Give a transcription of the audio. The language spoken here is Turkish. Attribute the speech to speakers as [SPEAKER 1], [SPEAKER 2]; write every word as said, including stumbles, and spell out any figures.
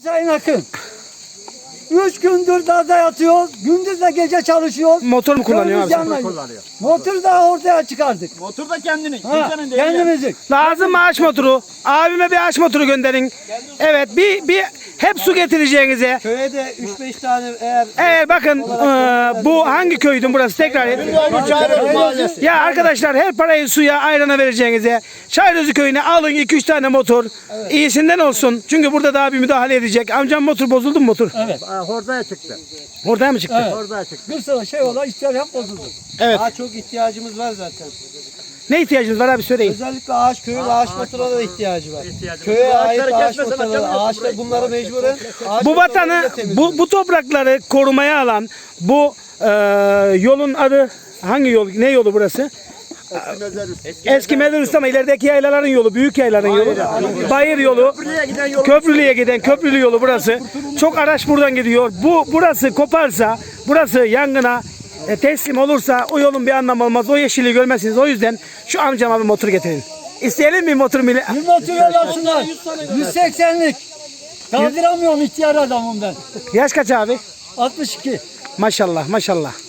[SPEAKER 1] Sayın Akın. Üç gündür dağda yatıyoruz. Gündüz de gece çalışıyoruz.
[SPEAKER 2] Motor mu kullanıyor abi?
[SPEAKER 1] Motor kullanıyor. Motoru da ortaya çıkardık.
[SPEAKER 3] Motor da kendinin.
[SPEAKER 1] Ha, kendimizin.
[SPEAKER 2] Lazım mı ağaç motoru? Abime bir ağaç motoru gönderin. Evet bir bir hep su getireceğinize.
[SPEAKER 1] Köye de üç beş tane eğer...
[SPEAKER 2] Eğer bakın e, bu hangi köydün burası tekrar et. Ya arkadaşlar her parayı suya ayrana vereceğinize Çayırözü köyüne alın iki üç tane motor. Evet. İyisinden olsun. Çünkü burada daha bir müdahale edecek. Amcam motor bozuldu mu motor?
[SPEAKER 1] Evet.
[SPEAKER 4] Hordaya çıktı.
[SPEAKER 2] Orada mı çıktı?
[SPEAKER 1] Evet.
[SPEAKER 4] Hordaya çıktı.
[SPEAKER 1] Bir sürü şey ola ister hep bozuldu.
[SPEAKER 2] Evet.
[SPEAKER 1] Daha çok ihtiyacımız var zaten.
[SPEAKER 2] Ne ihtiyacınız var abi söyleyin.
[SPEAKER 1] Özellikle ağaç köyün ağaç motoruna da ihtiyacı var. Köye ait ağaç motorları, ağaçlar bunları mecburen ağaç
[SPEAKER 2] Bu
[SPEAKER 1] motorlarıyla
[SPEAKER 2] vatanı,
[SPEAKER 1] temizliyor.
[SPEAKER 2] bu, bu toprakları korumaya alan bu e, yolun adı hangi yol? Ne yolu burası? Eski Mezarüstü ama ilerideki yaylaların yolu, büyük yaylaların yolu. Bayır yolu, Köprülü'ye giden Köprülü yolu burası. Çok araç buradan gidiyor. Bu burası koparsa, burası yangına e, teslim olursa o yolun bir anlamı olmaz. O yeşilliği görmezsiniz. O yüzden şu amcama bir motor getirin. İsteyelim mi motor mili?
[SPEAKER 1] Bir motor yolasınlar. yüz seksenlik. Kaldıramıyorum ihtiyar adamım ben.
[SPEAKER 2] Yaş kaç abi?
[SPEAKER 1] altmış iki.
[SPEAKER 2] Maşallah maşallah.